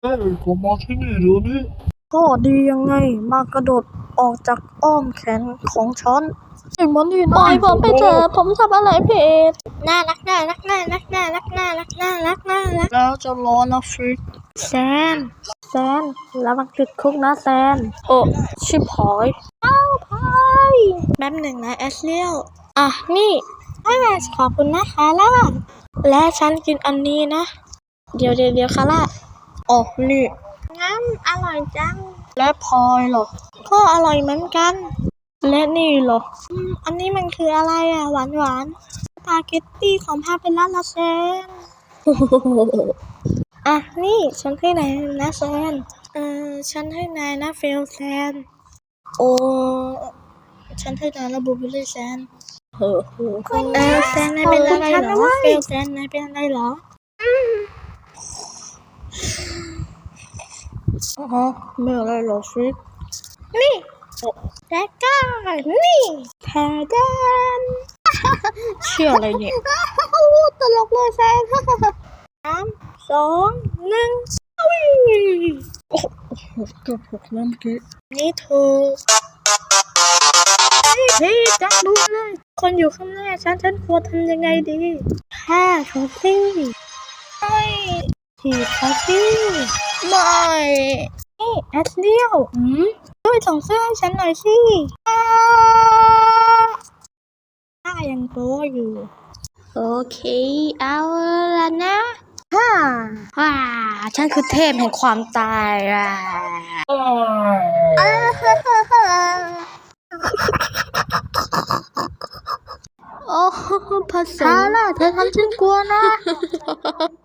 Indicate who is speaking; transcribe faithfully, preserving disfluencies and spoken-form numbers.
Speaker 1: เอ้ยผมมาที่นี่เดี๋ยวนี้
Speaker 2: ก็ดียังไงมากระโดดออกจากอ้อมแขนของฉันไอ้มันนี่นะปล่อยผมไปเถอะผมทำอะไรผิดน่ารักน่ารักน่ารักน่ารักน่ารักน่ารักน่ารักแล้วจะรอนะฟริกแซนแซนแล้วมันติดคุกนะแซนโอ้ชิบหายเอ้าพายแป๊บหนึ่งนะแอสเลียลอ่ะนี่อ่าขอบคุณนะคาร่าและฉันกินอันนี้นะเดี๋ยวเดี๋ยวเดี๋ยวคาร่าอ๋อนี่งั้นอร่อยจังและพลอยเหรอก็อร่อยเหมือนกันและนี่เหรออืมอันนี้มันคืออะไรอ่ะหวานหวานสปาเกตตี้ของพาเปล่าลาเซน อ่ะนี่ฉันให้นายนะแซนเออฉันให้นายนะเฟลแซนโอ้ฉันให้นายนะบูเบอรี่แซนเฮ้อเออแซนนายเป็นอะไรเหรอเฟลแซนนายเป็นอะไรเหรออ๋อไม่อะไรหรอกฟริกนี่แล้วก็นี่แทดนเชื่ออะไรเนี่ยตลกเลยแซนสามสองหนึ่งวิ่งโอ้โหเกือบหกแล้วเมื่อกี้นี่เธอเฮ้ยจังดูเลยคนอยู่ข้างหน้าฉันฉันควรทำยังไงดีแค่เขาสิไม่ถีบเขาสิไม่นี่แอสเลียวอืมช่วยส่งเสื้อให้ฉันหน่อยสิถ้ายังโตอยู่โอเคเอาละนะฮ่าฮ่าฉันคือเทพแห่งความตายอ่ะโอ้ภาษาล่ะเธอทำฉันกลัวนะ